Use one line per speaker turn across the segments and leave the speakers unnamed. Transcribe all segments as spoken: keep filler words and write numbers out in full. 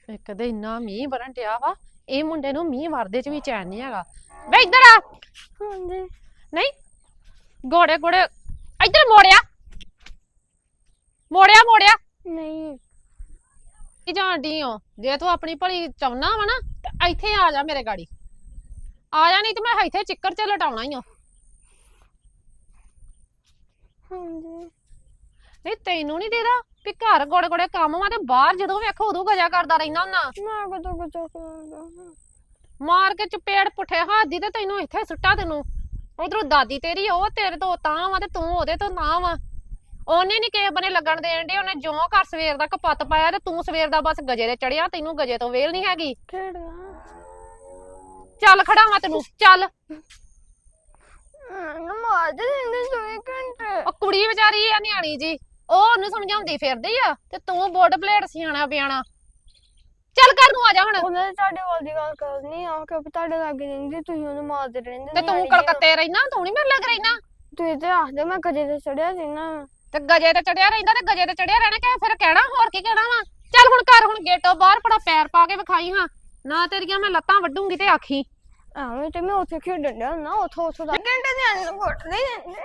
ਇੱਕ ਤੇ ਇੰਨਾ ਮੀਂਹ ਵਰਨ ਡਿਆ ਵਾ ਇਹ ਮੁੰਡੇ ਨੂੰ ਮੀਂਹ ਵਰਦੇ ਚ ਵੀ ਚੈਨ ਨਹੀਂ ਹੈਗਾ। ਵੇ ਇੱਧਰ ਆ।
ਹਾਂਜੀ।
ਨਹੀਂ ਗੋੜੇ ਗੋੜੇ ਇੱਧਰ ਮੋੜਿਆ ਮੋੜਿਆ ਮੋੜਿਆ
ਨਹੀਂ
ਕੀ ਜਾਣਦੀ ਹੋ। ਜੇ ਤੂੰ ਆਪਣੀ ਭਲੀ ਚਾਹੁੰਨਾ ਵਾ ਨਾ ਤੇ ਇੱਥੇ ਆ ਜਾ ਮੇਰੇ ਗਾੜੀ ਆ ਜਾ, ਨਹੀਂ ਤੇ ਮੈਂ ਇੱਥੇ ਚਿੱਕਰ ਚ ਲਟਾਉਣਾ ਹੀ ਆ।
ਹਾਂਜੀ।
ਨਹੀਂ ਤੈਨੂੰ ਨਹੀਂ ਦੇਦਾ ਵੀ ਘਰ ਗੋੜੇ ਗੋੜੇ ਕੰਮ ਵਾ ਤੇ ਬਾਹਰ ਜਦੋਂ ਵੇਖੋ ਉਦੋਂ ਗਜਾ ਕਰਦਾ ਰਹਿੰਦਾ ਹੁੰਦਾ।
ਮੈਂ ਕਦੋਂ ਕਦੋਂ ਕਰਾਂਗਾ
ਮਾਰ ਕੇ ਚਪੇੜ ਪੁੱਠੇ ਹੱਥ ਦੀ ਤੇ ਤੈਨੂੰ ਇੱਥੇ ਸੁੱਟਾ। ਤੈਨੂੰ ਉਧਰੋਂ ਦਾਦੀ ਤੇਰੀ ਉਹ ਤੇਰੇ ਤੋਂ ਤਾਂ ਵਾ ਤੇ ਤੂੰ ਉਹਦੇ ਤੋਂ ਨਾ ਵਾ। ਉਹਨੇ ਨੀ ਕਿਸੇ ਬਨੇ ਲੱਗਣ ਦੇਣ ਦੇ। ਉਹਨੇ ਜੋ ਘਰ ਸਵੇਰ ਦਾ ਕਪੱਤ ਪਾਇਆ ਤੇ ਤੂੰ ਸਵੇਰ ਦਾ ਬਸ ਗਜੇ ਤੇ ਚੜਿਆ। ਤੈਨੂੰ ਗਜੇ ਤੋਂ ਵੇਲ ਨਹੀਂ ਹੈਗੀ।
ਖੇਡਣਾ
ਚੱਲ ਖੜਾਵਾਂ ਤੈਨੂੰ ਚੱਲ।
ਮਾਰ ਦੇ ਦਿੰਦੇ ਚੌਵੀ ਘੰਟੇ।
ਉਹ ਕੁੜੀ ਵਿਚਾਰੀ ਆ ਨਿਆਣੀ ਜੀ ਉਹ ਉਹਨੂੰ ਸਮਝਾਉਂਦੀ ਫਿਰਦੀ ਆ ਤੇ ਤੂੰ ਬੋਰਡ ਪਲੇਟ ਸਿਆਣਾ ਪਿਆਣਾ। ਚੱਲ ਘਰ ਨੂੰ ਆ ਜਾ ਹੁਣ।
ਉਹਨੇ ਤੁਹਾਡੇ ਵੱਲ ਦੀ ਗੱਲ ਕਰਨੀ ਆ ਕਿ ਤੁਹਾਡੇ ਲਾਗੇ ਰਹਿੰਦੀ ਤੁਸੀਂ ਉਹਨੂੰ ਮਾਰਦੇ ਰਹਿੰਦੇ
ਤੇ ਤੂੰ ਕਲਕੱਤੇ ਰਹਿਣਾ ਤੂੰ ਨੀ ਮੇਰੇ ਲੱਗ ਰਹਿਣਾ।
ਤੁਸੀਂ ਤੇ ਆਖਦੇ ਮੈਂ ਗਜੇ ਤੇ ਚੜਿਆ ਸੀ ਨਾ
ਤੇ ਗਜੇ ਤੇ ਚੜਿਆ ਰਹਿੰਦਾ ਤੇ ਗਜੇ ਤੇ ਚੜਿਆ ਰਹਿਣਾ ਕਿ ਫਿਰ ਕਹਿਣਾ ਹੋਰ ਕੀ ਕਹਿਣਾ ਵਾ। ਚੱਲ ਹੁਣ ਘਰ ਹੁਣ ਗੇਟੋਂ ਬਾਹਰ ਪੜਾ ਪੈਰ ਪਾ ਕੇ ਵਿਖਾਈ ਹਾਂ ਨਾ ਤੇਰੀਆਂ ਮੈਂ ਲੱਤਾਂ ਵੱਢੂਗੀ ਤੇ ਆਖੀ।
ਆਵੇਂ ਤੇ ਮੈਂ ਉੱਥੇ ਖੇਡਣ ਡਿਆ ਨਾ ਉੱਥੋਂ ਉੱਥੋਂ ਦਾ ਘੰਟੇ ਦੇ ਆਣੇ ਨੂੰ ਘੁੱਟ ਨਹੀਂ ਦਿੰਦੇ।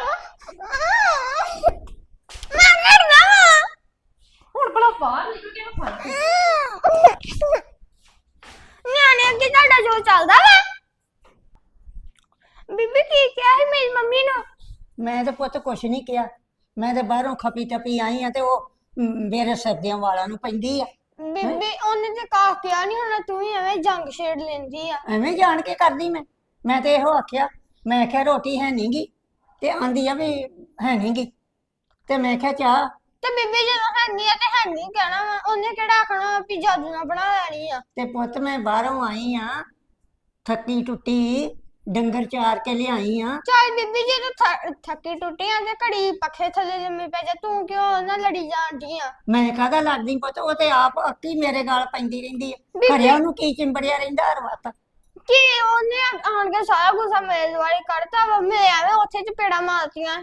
ਮੈਂ ਕਰਨਾ
ਹੁਣ ਭਲਾ ਬਾਹਰ ਨਿਕਲ ਕੇ ਫੜ ਕੇ
ਨਿਆਣੇ ਅੱਗੇ ਤੁਹਾਡਾ ਜੋ ਚੱਲਦਾ ਵਾ। ਬੀਬੀ ਕੀ ਕਿਹਾ ਸੀ ਮੇਰੀ ਮੰਮੀ ਨੂੰ।
ਮੈਂ ਤੇ ਪੁੱਤ ਕੁਛ ਨਹੀਂ ਕਿਹਾ। ਮੈਂ ਤੇ ਬਾਹਰੋਂ ਖਪੀ ਟਪੀ ਆਈ ਆ ਤੇ ਉਹ ਮੇਰੇ ਸਰਦਿਆਂ ਵਾਲਾਂ ਨੂੰ ਪੈਂਦੀ ਆ।
ਬੀਬੀ ਉਹਨੇ ਤੇ ਕਾਹ ਕਿਹਾ ਨਹੀਂ ਹੋਣਾ ਤੂੰ ਹੀ ਐਵੇਂ ਜੰਗ ਛੇੜ ਲੈਂਦੀ ਆ।
ਐਵੇਂ ਜਾਣ ਕੇ ਕਰਦੀ ਮੈਂ ਮੈਂ ਤੇ ਇਹੋ ਆਖਿਆ। ਮੈਂ ਕਿਹਾ ਰੋਟੀ ਹੈ ਨੀ ਗੀ ਤੇ ਆਂਦੀ ਆ ਵੀ ਹੈ ਨੀ ਗੀ ਤੇ ਮੈਂ ਕਿਹਾ ਚਾਹ।
ਤੇ ਬੀਬੀ ਜਦੋਂ ਹੈਨੀ ਆ ਤੇ ਹੈਨੀ ਕਹਿਣਾ ਵਾ। ਉਹਨੇ ਕਿਹੜਾ ਆਖਣਾ ਵੀ ਜਾਦੂ ਨਾਲ ਬਣਾ ਲੈਣੀ ਆ।
ਤੇ ਪੁੱਤ ਮੈਂ ਬਾਹਰੋਂ ਆਈ ਆ ਥੱਕੀ ਟੁੱਟੀ ਡੰਗਰ ਚਾਰ ਕੇ ਲਿਆਈ ਆ।
ਚੱਲ ਬੀਬੀ ਜੀ ਤੂੰ ਥੱਕੀ ਟੁੱਟੀ ਆ ਤੇ ਘੜੀ ਪੱਖੇ ਥੱਲੇ ਲੰਮੀ ਪੈ ਜਾ। ਤੂੰ ਕਿਉਂ ਉਹਨਾਂ ਲੜੀ ਜਾਂਦੀ ਆ।
ਮੈਂ ਕਾਹਦਾ ਲੜਦੀ ਪੁੱਤ ਉਹ ਤੇ ਆਪ ਅੱਕੀ ਮੇਰੇ ਗਾਲ ਪੈਂਦੀ ਰਹਿੰਦੀ ਆ।
ਬੀਬੀ-
ਘਰੇ ਉਹਨੂੰ ਕੀ ਚਿੰਬੜਿਆ ਰਹਿੰਦਾ ਹਰ ਵਕਤ।
ਕੀ ਉਹਨੇ ਆਣ ਕੇ ਸਾਰਾ ਗੁੱਸਾ ਮੇਰੇ ਦੁਆਲੇ ਕੱਢਤਾ ਵਾ। ਮੈਂ ਐਵੇਂ ਉੱਥੇ ਚਪੇੜਾ ਮਾਰਤੀਆਂ।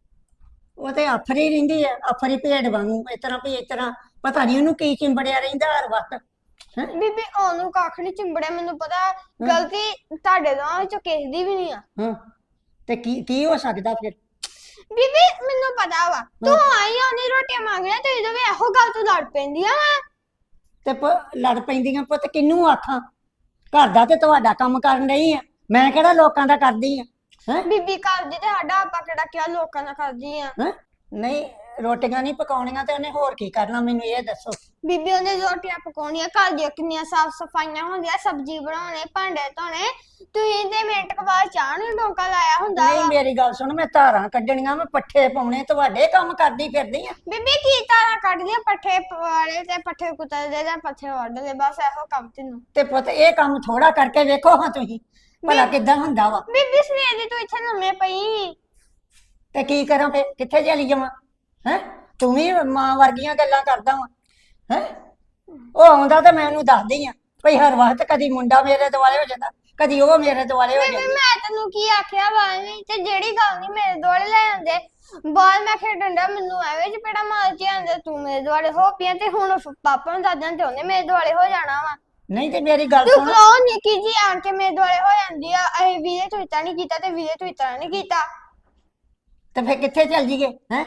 ਉਹ ਤੇ ਆਫਰੀ ਰਹਿੰਦੀ ਆ ਆਫਰੀ ਭੇਡ ਵਾਂਗੂ ਇਸ ਤਰ੍ਹਾਂ ਵੀ ਇਸ ਤਰ੍ਹਾਂ ਪਤਾ ਨਹੀਂ ਉਹਨੂੰ ਕੀ ਚਿੰਬੜਿਆ ਰਹਿੰਦਾ ਹਰ ਵਕਤ। ਹੈਂ
ਬੀਬੀ ਉਹਨੂੰ ਕੱਖ ਨੀ ਚਿੰਬੜਿਆ। ਮੈਨੂੰ ਪਤਾ ਗਲਤੀ ਤੁਹਾਡੇ ਦੋਵਾਂ ਵਿੱਚੋਂ ਕਿਸੇ ਦੀ ਵੀ ਨਹੀਂ ਆ।
ਹਾਂ ਤੇ ਕੀ ਕੀ ਹੋ ਸਕਦਾ ਫਿਰ।
ਬੀਬੀ ਮੈਨੂੰ ਪਤਾ ਵਾ ਤੂੰ ਆਈ ਆ ਉਹਨੇ ਰੋਟੀਆਂ ਮੰਗਣੀਆਂ ਤੇ ਜਦੋਂ ਵੀ ਇਹੋ ਗੱਲ ਤੋਂ ਲੜ ਪੈਂਦੀਆਂ ਵਾ।
ਤੇ ਪ- ਲੜ ਪੈਂਦੀਆਂ ਪੁੱਤ ਕਿਹਨੂੰ ਆਖਾਂ। ਘਰ ਦਾ ਤੇ ਤੁਹਾਡਾ ਕੰਮ ਕਰਨ ਰਹੀ ਆ ਮੈਂ ਕਿਹੜਾ ਲੋਕਾਂ ਦਾ ਕਰਦੀ ਆ। ਹੈ
ਬੀਬੀ ਕਰਦੀ ਤੇ ਸਾਡਾ ਆਪਾਂ ਕਿਹੜਾ ਕਿਹਾ ਲੋਕਾਂ ਨਾਲ ਕਰਦੀ ਆ।
ਹੈਂ ਨਹੀਂ ਰੋਟੀਆਂ ਨਹੀਂ ਪਕਾਉਣੀਆਂ ਤੇ ਉਹਨੇ ਹੋਰ ਕੀ ਕਰਨਾ ਮੈਨੂੰ ਇਹ ਦੱਸੋ।
ਬੀਬੀ ਉਹਨੇ ਰੋਟੀਆਂ ਪਕਾਉਣੀਆਂ ਘਰ ਦੀਆਂ ਕਿੰਨੀਆਂ ਸਾਫ ਸਫਾਈਆਂ ਹੁੰਦੀਆਂ ਸਬਜ਼ੀ ਬਣਾਉਣੇ ਭਾਂਡੇ ਧੋਣੇ। ਤੁਸੀਂ ਤੇ ਮਿੰਟ ਕੁ ਬਾਅਦ ਚਾਹ ਨੂੰ ਡੋਕਾ ਲਾਇਆ ਹੁੰਦਾ
ਨਹੀਂ
ਵਾ।
ਮੇਰੀ ਗੱਲ ਸੁਣ ਮੈਂ ਧਾਰਾਂ ਕੱਢਣੀਆਂ ਮੈਂ ਪੱਠੇ ਪਾਉਣੇ ਤੁਹਾਡੇ ਕੰਮ ਕਰਦੀ ਫਿਰਦੀ ਆ।
ਬੀਬੀ ਕੀ ਤਾਰਾਂ ਕੱਢਦੀਆਂ ਪੱਠੇ ਵਾਲੇ ਤੇ ਪੱਠੇ ਕੁੱਤਰਦੇ ਜਾਂ ਪੱਠੇ ਵੱਢਦੇ ਬਸ ਇਹੋ ਕੰਮ ਤੈਨੂੰ।
ਤੇ ਪੁੱਤ ਇਹ ਕੰਮ ਥੋੜਾ ਕਰਕੇ ਵੇਖੋ ਹਾਂ ਤੁਸੀਂ ਭਲਾ ਕਿੱਦਾਂ ਹੁੰਦਾ ਵਾ।
ਬੀਬੀ ਸਵੇਰ ਦੀ ਤੂੰ ਇੱਥੇ ਲੰਮੇ ਪਈ।
ਤੇ ਕੀ ਕਰਾਂ ਫੇ ਕਿੱਥੇ ਚਲੀ ਜਾਵਾਂ। ਹੈ ਤੂੰ ਵੀ ਮਾਂ ਵਰਗੀਆਂ ਗੱਲਾਂ ਕਰਦਾ ਵਾ। ਹੈ ਉਹ ਆਉਂਦਾ ਤੇ ਮੈਂ ਉਹਨੂੰ ਦੱਸਦੀ ਆ ਭਈ ਹਰ ਵਕਤ ਕਦੀ ਮੁੰਡਾ ਮੇਰੇ ਦੁਆਲੇ ਹੋ ਜਾਂਦਾ ਕਦੀ ਉਹ ਮੇਰੇ ਦੁਆਲੇ ਹੋ
ਬੀਬੀ
ਜਾਂਦੀ।
ਮੈਂ ਤੈਨੂੰ ਕੀ ਆਖਿਆ ਵਾ ਐਵੇਂ ਤੇ ਜਿਹੜੀ ਗੱਲ ਨਹੀਂ ਮੇਰੇ ਦੁਆਲੇ ਲੈ ਆਉਂਦੇ ਬਾਹਰ ਮੈਂ ਖੇਡਣ ਡਿਆ ਮੈਨੂੰ ਐਵੇਂ ਚਪੇੜਾ ਮਾਰ ਕੇ ਆਂਦੇ ਤੂੰ ਮੇਰੇ ਦੁਆਲੇ ਹੋ ਪਿਆ ਤੇ ਹੁਣ ਪਾਪਾ ਨੂੰ ਦੱਸਦਾਂ ਤੇ ਉਹਨੇ ਮੇਰੇ ਦੁਆਲੇ ਹੋ ਜਾਣਾ ਵਾ।
ਨਹੀਂ ਤੇ ਮੇਰੀ ਗੱਲ
ਤੂੰ
ਸੁਣ
ਕਹੋ ਨਿੱਕੀ ਜੀ ਆਣ ਕੇ ਮੇਰੇ ਦੁਆਲੇ ਹੋ ਜਾਂਦੀ ਆ। ਇਹ ਵੀਰੇ ਤੂੰ ਇਤਾਂ ਨਹੀਂ ਕੀਤਾ ਤੇ ਵੀਰੇ ਤੂੰ ਇਤਾਂ ਨਹੀਂ ਕੀਤਾ।
ਤੇ ਫੇ ਕਿੱਥੇ ਚੱਲ ਜੀਏ। ਹੈ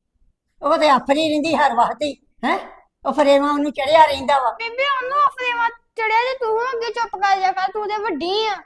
ਉਹ ਤੇ ਆਫਰੀ ਰਹਿੰਦੀ ਹਰ ਵਕਤ ਹੀ। ਹੈ ਉਹ ਫਰੇਵਾ ਉਹਨੂੰ ਚੜਿਆ ਰਹਿੰਦਾ ਵਾ।
ਬੀਬੀ ਉਹਨੂੰ ਅਫਰੇਵਾ ਚੜਿਆ ਤੇ ਤੂੰ ਅੱਗੇ ਚੁੱਪ ਕਰ ਜਾ ਕਰ ਤੂੰ ਤੇ ਵੱਡੀ ਆ।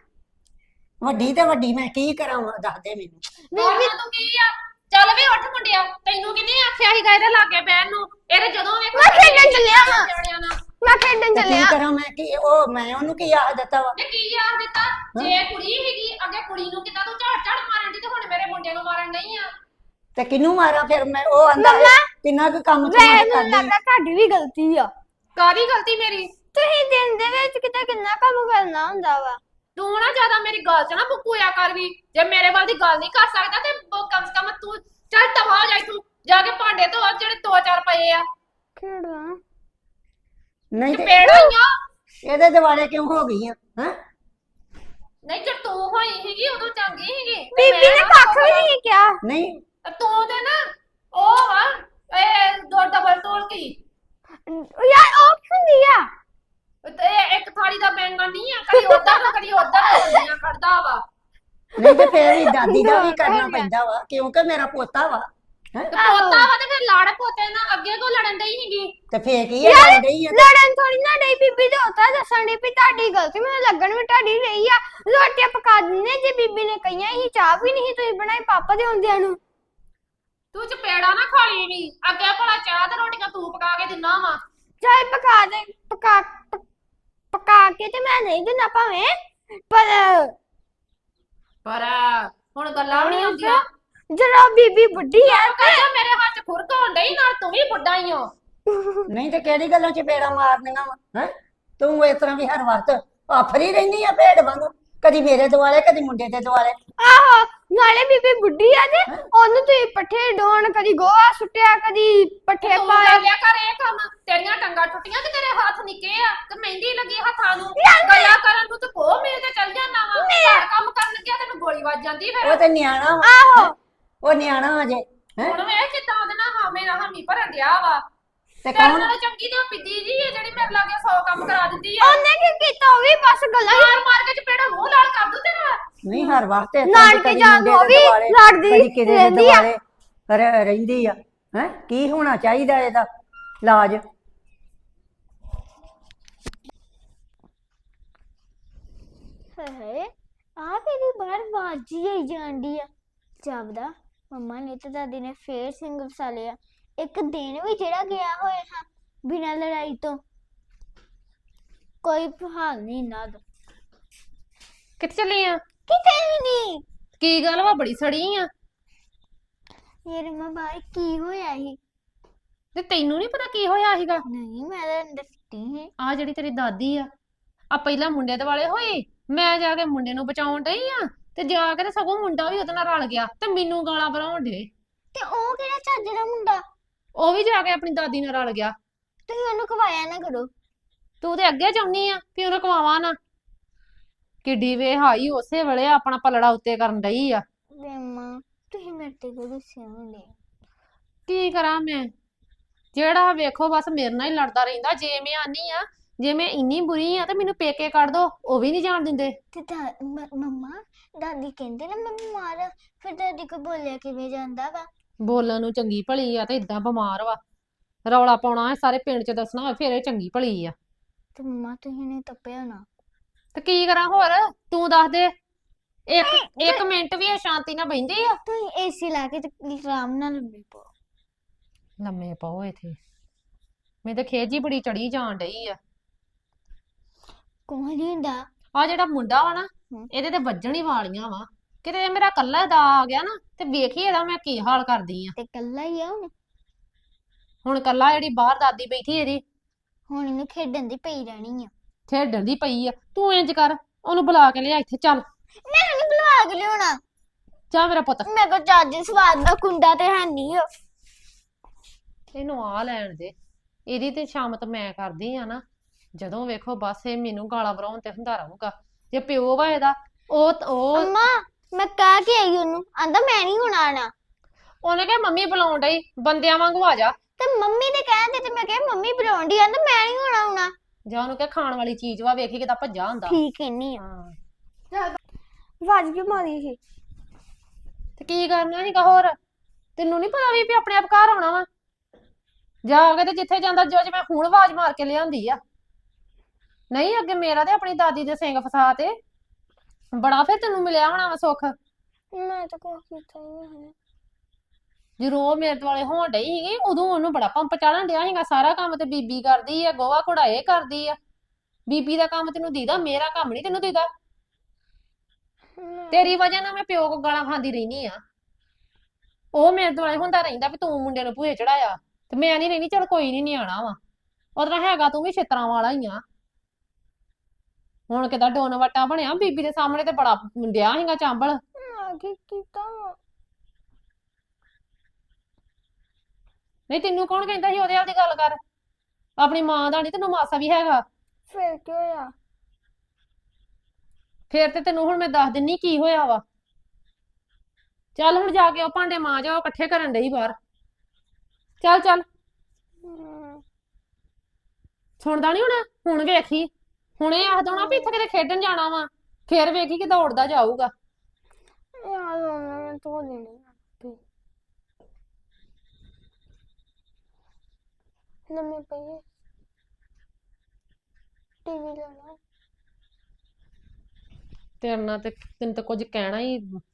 ਵੱਡੀ ਤੇ ਵੱਡੀ ਮੈਂ ਕੀ ਕਰਾਂ ਦੱਸ ਦੇ ਮੈਨੂੰ।
ਬੀਬੀ ਤੂੰ ਕੀ ਆ ਚੱਲ ਵੇ ਉੱਠ ਮੁੰਡਿਆ ਤੈਨੂੰ ਕਿਹਨੇ ਆਖਿਆ ਸੀਗਾ ਇਹਦੇ ਲਾਗੇ ਬਹਿਣ ਨੂੰ। ਇਹਦੇ ਜਦੋਂ ਵੇਖੋ
ਮੈਂ ਖੇਡਣ ਚੱਲਿਆ ਵਾਂ।
ਜਾਣਿਆਂ ਨਾਲ
ਮੈਂ ਖੇਡਣ
ਤੇ ਕੀ
ਚੱਲਿਆ।
ਕਰਾਂ ਮੈਂ ਕੀ ਉਹ ਮੈਂ ਉਹਨੂੰ ਕੀ ਆਖ ਦਿੱਤਾ ਵਾ।
ਤੇ ਕੀ ਆਖ ਦਿੱਤਾ ਜੇ ਕੁੜੀ ਹੈਗੀ ਅੱਗੇ ਕੁੜੀ ਨੂੰ ਕਿੱਦਾਂ ਤੂੰ ਝੜ ਝੜ ਮਾਰਨ ਦੀ ਤੇ ਹੁਣ ਮੇਰੇ ਮੁੰਡੇ ਨੂੰ ਮਾਰਨ ਨਹੀਂ ਆ।
ਤੇ ਕਿਹਨੂੰ ਮਾਰਾਂ ਫਿਰ ਮੈਂ ਉਹ ਆਂਦਾ
ਮੰਮਾ,
ਕਿੰਨਾ ਕੁ ਕੰਮ
ਵੈ
ਤੁਹਾਨੂੰ
ਮੈਨੂੰ
ਕਰਦੀ
ਲੱਗਦਾ ਤੁਹਾਡੀ ਵੀ ਗਲਤੀ ਆ।
ਕਾਦੀ ਗਲਤੀ ਮੇਰੀ।
ਤੁਸੀਂ ਦਿਨ ਦੇ ਵਿੱਚ ਕਿਤੇ ਕਿੰਨਾ ਕੰਮ ਕਰਨਾ ਹੁੰਦਾ ਵਾ।
ਤੂੰ ਨਾ ਜ਼ਿਆਦਾ ਮੇਰੀ ਗੱਲ ਚ ਨਾ ਬੁੱਕੂਆ ਕਰ ਵੀ। ਜੇ ਮੇਰੇ ਵੱਲ ਦੀ ਗੱਲ ਨਹੀਂ ਕਰ ਸਕਦਾ ਤੇ ਬ- ਕਮ ਸੇ ਕਮ ਤੂੰ ਚੱਲ ਤਵਾ ਹੋ ਜਾਈ ਤੂੰ ਜਾ ਕੇ ਭਾਂਡੇ ਧੋ ਜਿਹੜੇ ਦੋ ਚਾਰ ਪਏ ਆ
ਖੇਡਾਂ
ਨਹੀਂ
ਤੇ
ਤੇ
ਪੇੜ ਹੋਈਆਂ।
ਇਹਦੇ ਦਿਵਾਲੇ ਕਿਉਂ ਹੋ ਗਈ ਆ। ਹੈ
ਨਹੀਂ ਜੇ ਤੂੰ ਹੋਈ ਸੀਗੀ ਉਦੋਂ ਚੰਗੀ ਸੀਗੀ ਤੇ
ਬੀਬੀ
ਮੈਂ
ਨੇ
ਨਾ
ਕੱਖ ਵੀ ਨਹੀਂ ਕਿਹਾ।
ਨਹੀਂ
ਤੂੰ ਤੇ ਨਾ ਉਹ ਵਾ ਇਹ ਦੋ ਡਬਲ ਤੋਲ ਕੀ।
ਯਾਰ ਉਹ ਕੀ ਹੁੰਦੀ ਆ।
ਹੁੰਦਾ ਵਾ।
ਨਹੀਂ ਤੇ ਫੇਰ ਵੀ ਦਾਦੀ ਦਾ ਵੀ ਕਰਨਾ ਪੈਂਦਾ ਵਾ ਕਿਉਂਕਿ ਮੇਰਾ ਪੋਤਾ ਵਾ ਹੈ।
ਤੇ ਪੋਤਾ ਵਾ ਤੇ ਫਿਰ ਲਾੜ ਪੋਤੇ ਨਾਲ ਅੱਗੇ ਕੋ ਲੜਨ ਡਈ ਸੀਗੀ।
ਤੇ ਫੇਰ ਕੀ ਹੈ ਲੜ ਰਹੀ ਆ
ਲੜਨ ਥੋੜੀ ਨਾ ਡਈ ਬੀਬੀ ਤੇ ਉਤਾ ਦੱਸਣ ਦੀ ਵੀ ਤੁਹਾਡੀ ਗਲਤੀ ਮੈਨੂੰ ਲੱਗਣ ਵੀ ਤੁਹਾਡੀ ਰਹੀ ਆ। ਰੋਟੀਆਂ ਪਕਾ ਦਿੰਨੇ ਜੇ ਬੀਬੀ ਨੇ ਕਹੀਆਂ ਹੀ ਚਾਹ ਵੀ ਨਹੀਂ ਤੁਸੀਂ ਬਣਾਈ ਪਾਪਾ ਦੇ ਹੁੰਦਿਆਂ ਨੂੰ।
ਤੂੰ ਚਪੇੜਾ ਨਾ ਖਾ ਲਈ ਵੀ ਅੱਗੇ ਭਲਾ ਚਾਹ ਤੇ ਰੋਟੀਆਂ ਤੂੰ ਪਕਾ ਕੇ ਦਿੰਨਾ ਵਾ।
ਚਾਹ ਪਕਾ ਦੇ ਪਕਾ ਪ- ਪਕਾ ਕੇ ਤੇ ਮੈਂ ਨਹੀਂ ਦਿੰਦਾ ਭਾਵੇਂ ਪਰ
ਪਰ ਹੁਣ ਗੱਲਾਂ ਵੀ ਨਹੀਂ ਹੁੰਦੀਆਂ।
ਜਦੋਂ ਬੀਬੀ ਬੁੱਢੀ ਆ
ਕਹਿੰਦਾ ਮੇਰੇ ਹੱਥ ਖੁਰਕ ਹੋਣ ਡਈ ਨਾਲ ਤੂੰ ਵੀ ਬੁੱਢਾ ਹੀ ਹੋ।
ਨਹੀਂ ਤੇ ਕਿਹੜੀ ਗੱਲਾਂ ਚ ਪੇੜਾ ਮਾਰਨੀਆਂ ਵਾ ਹੈ। ਤੂੰ ਇਸ ਤਰ੍ਹਾਂ ਵੀ ਹਰ ਵਕਤ ਆਫਰੀ ਰਹਿੰਦੀ ਆ ਭੇਡ ਵਾਂਗੂ ਕਦੀ ਮੇਰੇ ਦੁਆਲੇ ਕਦੀ ਮੁੰਡੇ ਦੇ ਦੁਆਲੇ।
ਆਹੋ ਨਾਲੇ ਬੀਬੀ ਬੁੱਢੀ ਆ ਤੇ ਉਹਨੂੰ ਤੁਸੀਂ ਪੱਠੇ ਡੋਣ ਕਦੀ ਗੋਹਾ ਸੁੱਟਿਆ ਕਦੀ ਪੱਠੇ
ਤੂੰ
ਪਾਏ।
ਕਰ ਲਿਆ ਕਰ ਇਹ ਕੰਮ। ਤੇਰੀਆਂ ਟੰਗਾਂ ਟੁੱਟੀਆਂ ਕਿ ਤੇਰੇ ਹੱਥ ਨਿੱਕੇ ਆ ਤੇ ਮਹਿੰਦੀ ਲੱਗੀ ਹੱਥਾਂ ਨੂੰ। ਗੱਲਾਂ ਕਰਨ ਨੂੰ ਤੇ ਕੋਹ ਮੇਰੇ ਤੇ ਚੱਲ ਜਾਣਾ ਵਾ। ਘਰ ਕੰਮ ਕਰਨ ਲੱਗਿਆ ਤੈਨੂੰ ਗੋਲੀ ਵੱਜ ਜਾਂਦੀ ਫਿਰ।
ਉਹ ਤੇ ਨਿਆਣਾ ਵਾ
ਆਹੋ
ਉਹ ਨਿਆਣਾ ਅਜੇ ਹੈ।
ਹੁਣ ਵੇਖ ਕਿੱਦਾਂ ਉਹਦੇ ਨਾਲ ਹਾਮੇ ਨਾਲ ਹਾਮੀ ਭਰਨ ਡਿਆ ਵਾ।
ਤੇ
ਤੇਰੇ
ਕੌਣ
ਨਾਲ ਚੰਗੀ ਤੇ ਉਹ ਪਿੱਦੀ ਜੀ ਹੈ ਜਿਹੜੀ ਮੇਰੇ ਲਾਗੇ ਸੌ ਕੰਮ ਕਰਾ ਦਿੰਦੀ ਆ।
ਉਹਨੇ ਕੀ ਕੀਤਾ ਉਹ ਵੀ ਬਸ ਗੱਲਾਂ ਹੀ
ਮਾਰ ਮਾਰ ਕੇ ਚਪੇੜਾ ਮੂੰਹ ਲਾਲ ਕਰ ਦੂ ਤੇਰਾ।
ਨਹੀਂ ਹਰ ਵਕਤ ਇਸ ਤਰ੍ਹਾਂ
ਨਾਨਕੇ
ਕਦੀ
ਜਾਣ
ਮੁੰਡੇ
ਨੂੰ ਉਹ
ਦੇ
ਵੀ
ਦੁਆਲੇ
ਲੜਦੀ
ਕਦੀ ਕਿਤੇ ਦੇ
ਰਹਿੰਦੀ ਆ।
ਦੁਆਲੇ ਰ- ਰਹਿੰਦੀ ਆ ਹੈ। ਕੀ ਹੋਣਾ ਚਾਹੀਦਾ ਇਹਦਾ ਇਲਾਜ।
ਹੈ ਆ ਮੇਰੀ ਬਾਹਰ ਬਾਜੀ ਆਈ ਜਾਂਦੀ ਆ ਜਾਪਦਾ ਮੰਮਾ ਨੇ ਤੇ ਦਾਦੀ ਨੇ ਫੇਰ ਸਿੰਘ ਵਸਾ ਲਿਆ। ਇੱਕ ਦਿਨ ਵੀ ਜਿਹੜਾ ਗਿਆ ਹੋਇਆ ਹਾਂ ਬਿਨਾਂ ਲੜਾਈ ਤੋਂ ਕੋਈ ਹਾਲ ਨਹੀਂ ਨਾ ਦੋ
ਕਿੱਥੇ ਚੱਲੀ ਆ?
ਕਿਤੇ ਵੀ ਨਹੀਂ।
ਕੀ ਗੱਲ ਵਾ ਬੜੀ ਸੜੀ ਆ।
ਯਾਰ ਮੰਮਾ ਬਾਹਰ ਕੀ ਹੋਇਆ ਸੀ?
ਤੇ ਤੈਨੂੰ ਨਹੀਂ ਪਤਾ ਕੀ ਹੋਇਆ ਸੀਗਾ?
ਨਹੀਂ ਮੈਂ ਤਾਂ ਅੰਦਰ ਸੁੱਤੀ ਹੈ।
ਆ ਜਿਹੜੀ ਤੇਰੀ ਦਾਦੀ ਆ ਆ ਪਹਿਲਾਂ ਮੁੰਡੇ ਦੇ ਵਾਲੇ ਹੋਈ। ਮੈਂ ਜਾ ਕੇ ਮੁੰਡੇ ਨੂੰ ਬਚਾਉਣ ਡਈ ਆ ਤੇ ਜਾ ਕੇ ਤੇ ਸਗੋਂ ਮੁੰਡਾ ਵੀ ਉਹਦੇ ਨਾਲ ਰਲ ਗਿਆ ਤੇ ਮੈਨੂੰ ਗਾਲਾਂ ਭਰਾਉਣ ਡੇ।
ਤੇ ਉਹ ਕਿਹੜਾ ਚੱਜ ਦਾ ਮੁੰਡਾ?
ਉਹ ਵੀ ਜਾ ਕੇ ਆਪਣੀ ਦਾਦੀ ਨਾਲ ਰਲ ਗਿਆ।
ਤੁਸੀਂ ਉਹਨੂੰ ਕਵਾਇਆ ਨਾ ਕਰੋ।
ਤੂੰ ਤੇ ਅੱਗੇ ਚਾਹੁੰਨੀ ਆ ਵੀ ਉਹਨੂੰ ਕਵਾਵਾਂ ਨਾ। ਕਿੱਡੀ ਵੇ ਹਾਈ ਉਸੇ ਵੇਲੇ ਆਪਣਾ ਪਲੜਾ ਉੱਤੇ ਕਰਨ ਡਈ ਆ।
ਮੰਮਾ ਤੁਸੀਂ ਮੇਰੇ ਤੇ ਕਿਉਂ ਗੁੱਸੇ ਹੁੰਦੇ?
ਕੀ ਕਰਾਂ ਮੈਂ? ਜਿਹੜਾ ਵੇਖੋ ਬਸ ਮੇਰੇ ਨਾਲ ਹੀ ਲੜਦਾ ਰਹਿੰਦਾ। ਜੇ ਮੈਂ ਆਨੀ ਆ ਜੇ ਮੈਂ ਇੰਨੀ ਬੁਰੀ ਆ ਤੇ ਮੈਨੂੰ ਪੇਕੇ ਕੱਢ ਦੋ ਉਹ ਵੀ ਨਹੀਂ ਜਾਣ ਦਿੰਦੇ।
ਤੇ ਦਾ- ਮ- ਮੰਮਾ ਦਾਦੀ ਕਹਿੰਦੇ ਨਾ ਮੈਂ ਬਿਮਾਰ ਆ ਫਿਰ ਦਾਦੀ ਕੋ ਬੋਲਿਆ ਕਿਵੇਂ ਜਾਂਦਾ ਵਾ?
ਬੋਲਣ ਨੂੰ ਚੰਗੀ ਭਲੀ ਆ ਤੇ ਇਦਾਂ ਬਿਮਾਰ ਵਾ। ਰੌਲਾ ਪਾਉਣਾ ਹੈ ਸਾਰੇ ਪਿੰਡ 'ਚ ਦੱਸਣਾ ਹੋਵੇ ਫਿਰ ਇਹ ਚੰਗੀ ਭਲੀ ਆ।
ਤੇ ਮੰਮਾ ਤੁਸੀਂ ਨੇ ਤੱਪਿਆ ਨਾ।
ਤੇ ਕੀ ਕਰਾਂ ਹੋਰ? ਤੂੰ ਦੱਸ ਦੇ। ਇੱਕ ਇੱਕ ਮਿੰਟ ਵੀ ਇਹ ਸ਼ਾਂਤੀ ਨਾਲ ਬਹਿੰਦੀ ਆ?
ਤੁਸੀਂ ਏਸੀ ਲਾ ਕੇ ਤੇ ਆਰਾਮ ਨਾਲ ਲੰਮੇ ਪਓ।
ਲੰਮੇ ਪਾਓ ਇੱਥੇ। ਮੈਨੂੰ ਤਾਂ ਖੇਜ ਹੀ ਬੜੀ ਚੜੀ ਜਾਣ ਡਈ ਆ।
ਕੋਈ ਨਹੀਂ ਹੁੰਦਾ।
ਆ ਜਿਹੜਾ ਮੁੰਡਾ ਵਾ ਨਾ
ਹਮ।
ਇਹਦੇ ਤੇ ਵੱਜਣ ਹੀ ਵਾਲੀਆਂ ਵਾ। ਕਿਤੇ ਇਹ ਮੇਰਾ ਕੱਲਾ ਦਾ ਆ ਗਿਆ ਨਾ ਤੇ ਵੇਖੀ ਇਹਦਾ ਮੈਂ ਕੀ ਹਾਲ ਕਰਦੀ ਆ।
ਤੇ ਕੱਲਾ ਹੀ ਆ ਹੁਣ।
ਹੁਣ ਕੱਲਾ ਜਿਹੜੀ ਬਾਹਰ ਦਾਦੀ ਬੈਠੀ ਇਹਦੀ
ਹੁਣ ਇਹਨੂੰ ਖੇਡਣ ਦੀ ਪਈ ਰਹਿਣੀ ਆ।
ਖੇਡਣ ਦੀ ਪਈ ਆ। ਤੂੰ ਇੰਜ ਕਰ ਉਹਨੂੰ ਬੁਲਾ ਕੇ ਲਿਆ ਇੱਥੇ ਚੱਲ।
ਮੈਂ ਨਹੀਂ ਬੁਲਾ ਕੇ ਲਿਆਉਣਾ।
ਜਾ ਮੇਰਾ ਪੁੱਤ।
ਮੇਰੇ ਕੋਲ ਚੱਜ ਸਵਾਦ ਦਾ ਕੁੰਡਾ ਤੇ ਹੈ ਨਹੀਂ ਆ।
ਇਹਨੂੰ ਆ ਲੈਣ ਦੇ। ਇਹਦੀ ਤੇ ਸ਼ਾਮਤ ਮੈਂ ਕਰਦੀ ਆ ਨਾ। ਜਦੋਂ ਵੇਖੋ ਬਸ ਇਹ ਮੈਨੂੰ ਗਾਲਾਂ ਭਰਾਉਣ ਤੇ ਹੁੰਦਾ ਰਹੂਗਾ। ਜੇ ਪਿਓ ਵਾ ਇਹਦਾ ਉਹ ਉਹ
ਅੰਮਾ ਮੈਂ ਕਹਿ ਕੇ ਆਈ ਉਹਨੂੰ ਆਂਦਾ ਮੈਂ ਨਹੀਂ ਹੁਣ ਆਣਾ।
ਉਹਨੇ ਕਿਹਾ ਮੰਮੀ ਬੁਲਾਉਣ ਡਈ ਬੰਦਿਆਂ ਵਾਂਗੂ ਆ ਜਾ।
ਤੇ ਮੰਮੀ ਨੇ ਕਹਿੰਦੇ ਤੇ ਮੈਂ ਕਿਹਾ ਮੰਮੀ ਬੁਲਾਉਂਦੀ ਆਂਦਾ ਮੈਂ ਨਹੀਂ ਹੁਣ ਆਉਣਾ।
ਜਾਂ ਉਹਨੂੰ ਕਿਹਾ ਖਾਣ ਵਾਲੀ ਚੀਜ਼ ਵਾ ਵੇਖੀ ਕਿਦਾਂ ਭੱਜਾ ਹੁੰਦਾ।
ਠੀਕ ਇੰਨੀ ਆ।
ਹਾਂ
ਵਾਜ ਕਿਉਂ ਮਾਰੀ ਸੀ?
ਤੇ ਕੀ ਕਰਨਾ ਸੀਗਾ ਹੋਰ? ਤੈਨੂੰ ਨਹੀਂ ਪਤਾ ਵੀ ਵੀ ਆਪਣੇ ਆਪ ਘਰ ਆਉਣਾ ਵਾ? ਜਾ ਕੇ ਤੇ ਜਿੱਥੇ ਜਾਂਦਾ ਜੋ ਮੈਂ ਹੁਣ ਆਵਾਜ਼ ਮਾਰ ਕੇ ਲਿਆਂਦੀ ਆ। ਨਹੀਂ ਅੱਗੇ ਮੇਰਾ ਤੇ ਆਪਣੀ ਦਾਦੀ ਦੇ ਸਿੰਘ ਫਸਾ ਤੇ ਬੜਾ ਫਿਰ ਤੈਨੂੰ ਮਿਲਿਆ ਹੋਣਾ ਵਾ ਸੁੱਖ।
ਮੈਂ ਤਾਂ ਕੁਛ ਕੀਤਾ ਹੀ ਨਹੀਂ।
ਜਦੋਂ ਉਹ ਮੇਰੇ ਦੁਆਲੇ ਹੋਣ ਡਈ ਸੀਗੀ ਉਦੋਂ ਉਹਨੂੰ ਬੜਾ ਪੰਪ ਚਾੜਨ ਡਿਆ ਸੀਗਾ। ਸਾਰਾ ਕੰਮ ਤੇ ਬੀਬੀ ਕਰਦੀ ਆ। ਗੋਹਾ ਘੋੜਾ ਇਹ ਕਰਦੀ ਆ। ਬੀਬੀ ਦਾ ਕੰਮ ਤੈਨੂੰ ਦੀਦਾ ਮੇਰਾ ਕੰਮ ਨਹੀਂ ਤੈਨੂੰ ਦੀਦਾ। ਤੇਰੀ ਵਜ੍ਹਾ ਨਾਲ ਮੈਂ ਪਿਓ ਕੋ ਗਾਲਾਂ ਖਾਂਦੀ ਰਹਿਨੀ ਆ। ਉਹ ਮੇਰੇ ਦੁਆਲੇ ਹੁੰਦਾ ਰਹਿੰਦਾ ਵੀ ਤੂੰ ਮੁੰਡੇ ਨੂੰ ਭੂਏ ਚੜਾਇਆ ਤੇ ਮੈਂ ਨਹੀਂ ਰਹਿਣੀ। ਚਲ ਕੋਈ ਨਹੀਂ ਨਿਆਣਾ ਵਾ। ਉਹਦਾ ਹੈਗਾ ਤੂੰ ਵੀ ਛਿੱਤਰਾਂ ਵਾਲਾ ਹੀ ਆ। ਹੁਣ ਕਿਦਾਂ ਡੋਨ ਵਟਾ ਬਣਿਆ ਬੀਬੀ ਦੇ ਸਾਹਮਣੇ ਤੇ ਬੜਾ ਡਿਆ ਸੀਗਾ ਚਾਂਬਲ।
ਆ ਕੀ ਕੀਤਾ ਵਾ?
ਨਹੀਂ ਤੈਨੂੰ ਕੌਣ ਕਹਿੰਦਾ ਸੀ ਉਹਦੇ ਹਾਲ ਦੀ ਗੱਲ ਕਰ? ਆਪਣੀ ਮਾਂ ਦਾ ਨਹੀਂ ਤੈਨੂੰ ਮਾਸਾ ਵੀ ਹੈਗਾ।
ਫਿਰ ਕੀ ਹੋਇਆ?
ਫੇਰ ਤੇ ਤੈਨੂੰ ਹੁਣ ਮੈਂ ਦੱਸ ਦਿੰਨੀ ਕੀ ਹੋਇਆ ਵਾ। ਚੱਲ ਹੁਣ ਜਾ ਕੇ ਉਹ ਭਾਂਡੇ ਮਾਂਜ ਉਹ ਇਕੱਠੇ ਕਰਨ ਡਈ ਬਾਹਰ। ਚੱਲ ਚੱਲ। ਸੁਣਦਾ ਨੀ ਹੁਣ? ਹੁਣ ਵੇਖੀ ਹੁਣੇ ਆਖ ਦੇਣਾ ਵੀ ਇੱਥੇ ਕਿਤੇ ਖੇਡਣ ਜਾਣਾ ਵਾ ਫੇਰ ਵੇਖੀ ਕਿ ਦੌੜਦਾ ਜਾਊਗਾ।
ਯਾਰ ਉਹਨੇ ਧੋ ਦੇਣੀ ਆਪੇ। ਲੰਮੇ ਪਈਏ ਟੀਵੀ ਲੈਣਾ।
ਤੇਰੇ ਨਾਲ ਤੇ ਤੈਨੂੰ ਤਾਂ ਕੁਝ ਕਹਿਣਾ ਹੀ